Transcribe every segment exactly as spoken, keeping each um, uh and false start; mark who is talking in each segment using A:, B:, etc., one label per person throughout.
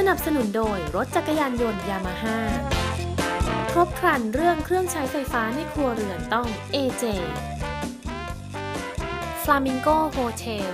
A: นับสนุนโดยรถจักรยานยนต์ยามาฮ่าครบครันเรื่องเครื่องใช้ไฟฟ้าในครัวเรือนต้อง เอ เจ Flamingo Hotel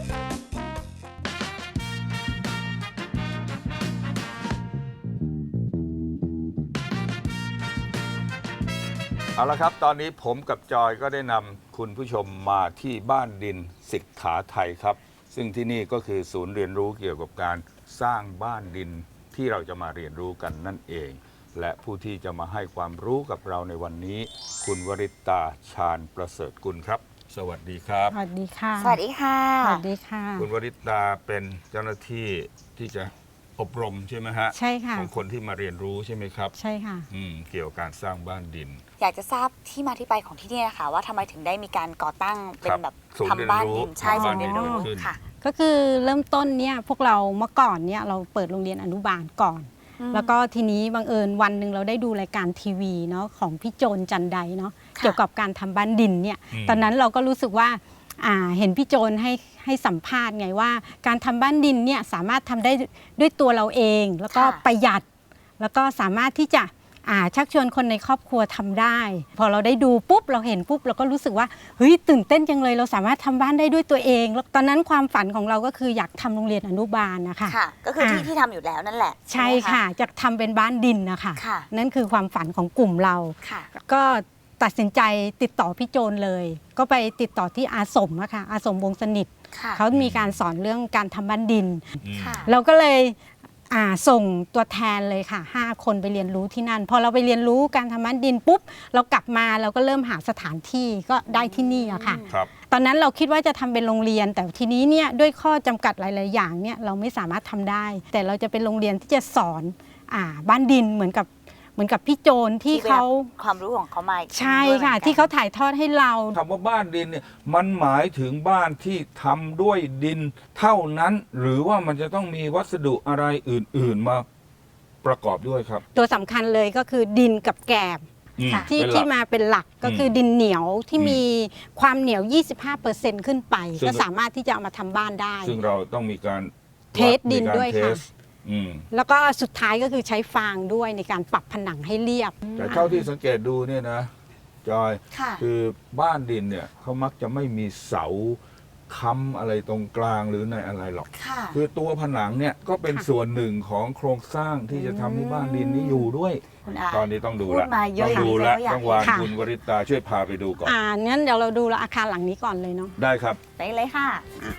B: เอาละครับตอนนี้ผมกับจอยก็ได้นำคุณผู้ชมมาที่บ้านดินสิกขาไทยครับซึ่งที่นี่ก็คือศูนย์เรียนรู้เกี่ยวกับการสร้างบ้านดินที่เราจะมาเรียนรู้กันนั่นเองและผู้ที่จะมาให้ความรู้กับเราในวันนี้คุณวริตาชาญประเสริฐกุลครับสวัสดีครับ
C: สวัสดีค่ะ
D: สวัสดีค่ะ
C: สวัสดีค่ะ
B: คุณวริตาเป็นเจ้าหน้าที่ที่จะอบรมใช่ไหมฮะ
C: ใช่ค่ะ
B: ของคนที่มาเรียนรู้ใช่ไหมครับ
C: ใช่ค่ะ
B: อืมเกี่ยวกับการสร้างบ้านดิน
D: อยากจะทราบที่มาที่ไปของที่นี่นะคะว่าทำไมถึงได้มีการก่อตั้งเป็นแบบ
B: ทำบ้านดิน
D: ใช่ศูนย์เรียนรู้ค่ะ
C: ก็คือเริ่มต้นเนี่ยพวกเราเมื่อก่อนเนี่ยเราเปิดโรงเรียนอนุบาลก่อนแล้วก็ทีนี้บังเอิญวันหนึ่งเราได้ดูรายการทีวีเนาะของพี่โจนจันไดเนาะเกี่ยวกับการทำบ้านดินเนี่ยตอนนั้นเราก็รู้สึกว่าอ่าเห็นพี่โจนให้ให้สัมภาษณ์ไงว่าการทำบ้านดินเนี่ยสามารถทำได้ด้วยตัวเราเองแล้วก็ประหยัดแล้วก็สามารถที่จะอ่าชักชวนคนในครอบครัวทำได้พอเราได้ดูปุ๊บเราเห็นปุ๊บเราก็รู้สึกว่าเฮ้ยตื่นเต้นจังเลยเราสามารถทำบ้านได้ด้วยตัวเองแล้วตอนนั้นความฝันของเราก็คืออยากทำโรงเรียนอนุบาลนะคะ
D: ค่ะก็คือที่ที่ทำอยู่แล้วนั่นแหละ
C: ใช่ค่ะจะทำเป็นบ้านดินนะคะนั่นคือความฝันของกลุ่มเราก็ตัดสินใจติดต่อพี่โจนเลยก็ไปติดต่อที่อาสมอะค่ะอาสมวงสนิทเขามีการสอนเรื่องการทำบ้านดินเราก็เลยส่งตัวแทนเลยค่ะห้าคนไปเรียนรู้ที่นั่นพอเราไปเรียนรู้การทำบ้านดินปุ๊บเรากลับมาเราก็เริ่มหาสถานที่ก็ได้ที่นี่อะค่ะตอนนั้นเราคิดว่าจะทำเป็นโรงเรียนแต่ทีนี้เนี่ยด้วยข้อจำกัดหลายๆอย่างเนี่ยเราไม่สามารถทำได้แต่เราจะเป็นโรงเรียนที่จะสอนอ่าบ้านดินเหมือนกับเหมือนกับพี่โจนที่เขา
D: ความรู้ของเขามา
C: ใช่ค่ะที่เขาถ่ายทอดให้เรา
B: คำว่าบ้านดินเนี่ยมันหมายถึงบ้านที่ทำด้วยดินเท่านั้นหรือว่ามันจะต้องมีวัสดุอะไรอื่นๆมาประกอบด้วยครับ
C: ตัวสำคัญเลยก็คือดินกับแกบที่ที่มาเป็นหลักก็คือดินเหนียวที่มีความเหนียว ยี่สิบห้าเปอร์เซ็นต์ ขึ้นไปก็สามารถที่จะเอามาทำบ้านได้
B: ซึ่งเราต้องมีการ
C: เทสดินด้วยค่ะแล้วก็สุดท้ายก็คือใช้ฟางด้วยในการปรับผนังให้เรียบ
B: แต่เท่าที่สังเกตดูเนี่ยนะจอยคือบ้านดินเนี่ยเขามักจะไม่มีเสาค้ำอะไรตรงกลางหรือในอะไรหรอกคือตัวผนังเนี่ยก็เป็นส่วนหนึ่งของโครงสร้างที่จะทำให้บ้านดินนี้อยู่ด้วยตอนนี้ต้องดูละต้องดูละต้องวางคุณวริตาช่วยพาไปดูก่อน
C: อ่างั้นเดี๋ยวเราดูอาคารหลังนี้ก่อนเลยเนาะ
B: ได้ครับ
D: ไปเลยค่ะ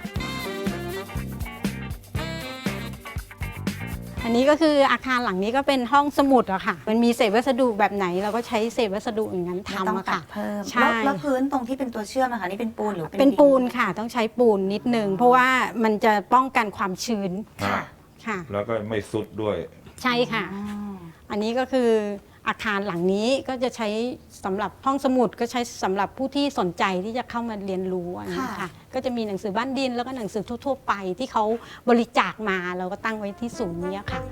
C: อันนี้ก็คืออาคารหลังนี้ก็เป็นห้องสมุดอะค่ะมันมีเศษวัสดุแบบไหนเราก็ใช้เศษวัสดุอย่างนั้นทำอะค่ะ
D: เพิ่มแล้วพื้นตรงที่เป็นตัวเชื่อมนะคะนี่เป็นปูนหรือ
C: เป็นปูนค่ะต้องใช้ปูนนิดนึงเพราะว่ามันจะป้องกันความชื้น
B: ค่ะค่ะแล้วก็ไม่สุดด้วย
C: ใช่ค่ะอันนี้ก็คืออาคารหลังนี้ก็จะใช้สำหรับห้องสมุดก็ใช้สำหรับผู้ที่สนใจที่จะเข้ามาเรียนรู้นะคะก็จะมีหนังสือบ้านดินแล้วก็หนังสือทั่วๆไปที่เขาบริจาคมาเราก็ตั้งไว้ที่ศูนย์นี้ค่ะ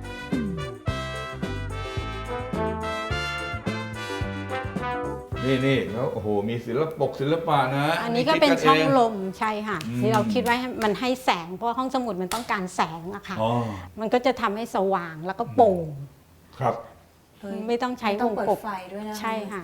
B: นี่นี่แล้วโอ้โหมีศิลปกศิลปะนะ
C: อันนี้ก็เป็นช่องลมใช่ค่ะที่เราคิดว่ามันให้แสงเพราะห้องสมุดมันต้องการแสงอะค่ะมันก็จะทำให้สว่างแล้วก็โปร่ง
B: ครับ
C: ไม่ต้องใช้วงกบ
D: ไฟด้วยนะ
C: ใช่ค่ะ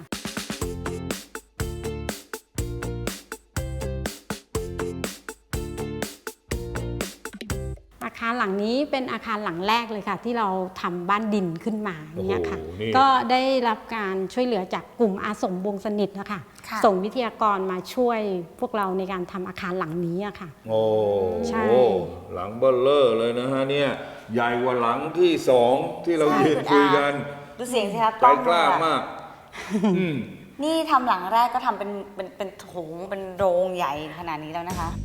C: อาคารหลังนี้เป็นอาคารหลังแรกเลยค่ะที่เราทำบ้านดินขึ้นมาเนี่ยค่ะก็ได้รับการช่วยเหลือจากกลุ่มอาสมวงสนิทนะคะส่งวิทยากรมาช่วยพวกเราในการทำอาคารหลังนี้อะค่ะ
B: โอ้ใช่หลังเบ้อเร่อเลยนะฮะเนี่ยใหญ่กว่าหลังที่สองที่เรายืนคุยกัน
D: ดูเสียงสิคะ
B: ใจกล้ามาก
D: นี่ทำหลังแรกก็ทำเป็นเป็นเป็นโถงเป็นโรงใหญ่ขนาดนี้แล้วนะคะ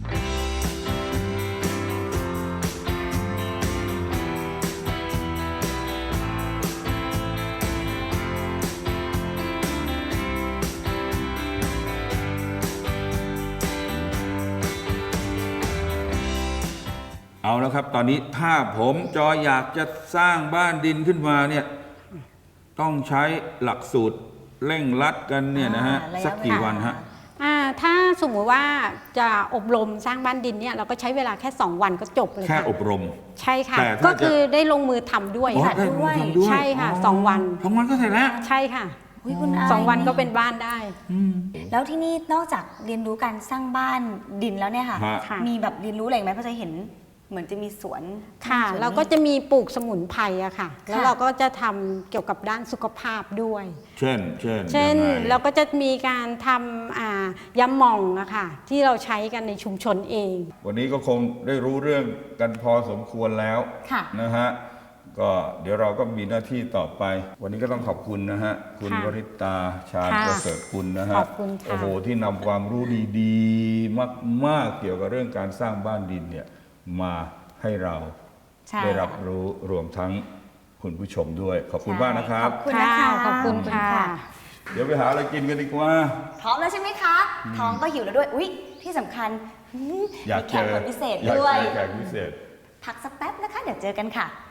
B: เอาแล้วครับตอนนี้ถ้าผมจออยากจะสร้างบ้านดินขึ้นมาเนี่ยต้องใช้หลักสูตรเร่งรัดกันเนี่ยนะฮะสักกี่วันฮะ
C: ถ้าสมมุติว่าจะอบรมสร้างบ้านดินเนี่ยเราก็ใช้เวลาแค่สองวันก็จบเลย
B: แค่
C: ค่ะ
B: อบรม
C: ใช่ค่ะ
B: แต่ถ้า
C: ก็คือได้ลงมือทำด้วย
B: อ๋อ
C: ค่ะ
B: ได้ลงมือทำด้วย
C: ใช่ค่ะสองวัน
B: สองวันก็เสร็จแล้ว
C: ใช่ค่ะ
D: อุ๊ยคุณอา
C: สองวันก็เป็นบ้านได้
D: แล้วที่นี่นอกจากเรียนรู้การสร้างบ้านดินแล้วเนี่ยค่ะ
B: ฮะ
C: ค่ะ
D: มีแบบเรียนรู้อะไรอีกไหมเพราะจะเห็นเหมือนจะมีสวน
C: ค่ะ
D: สวนนี้
C: เราก็จะมีปลูกสมุนไพรอะค่ะ แล้ว
D: ค่ะ
C: เราก็จะทำเกี่ยวกับด้านสุขภาพด้วย
B: เช่น เช่น
C: เช่น
B: ยังไง
C: เราก็จะมีการทำอ่ายำหม่องอะค่ะที่เราใช้กันในชุมชนเอง
B: วันนี้ก็คงได้รู้เรื่องกันพอสมควรแล้ว
D: ค่ะ
B: นะฮะ ก็เดี๋ยวเราก็มีหน้าที่ต่อไป วันนี้ก็ต้องขอบคุณนะฮะ คุณ
C: ค่ะ
B: วริตาชาญ
C: ค่ะ
B: ประเสริฐกุลนะฮะ
C: ขอบคุณค่ะ
B: โอ้โหที่นำความรู้ดีๆ มากๆเกี่ยวกับเรื่องการสร้างบ้านดินเนี่ยมาให้เรา
D: ใช่
B: ได้รับรู้รวมทั้งคุณผู้ชมด้วย ขอบคุณมากนะครับ
D: ขอบคุณนะคะ
C: ขอบคุณค่ะ
B: เดี๋ยวไปหาอะไรกินกันดีกว่า
D: พร้อมแล้วใช่ไหมคะ ท้องก็หิวแล้วด้วย อุ๊ย ที่สำคัญอืม
B: อยาก
D: มีแข
B: เจ
D: ก
B: อ
D: คนพิเศษ
B: อยาก
D: ด้วย
B: เจอแขกพิเศษ
D: พักสักแป๊บนะคะ เดี๋ยวเจอกันค่ะ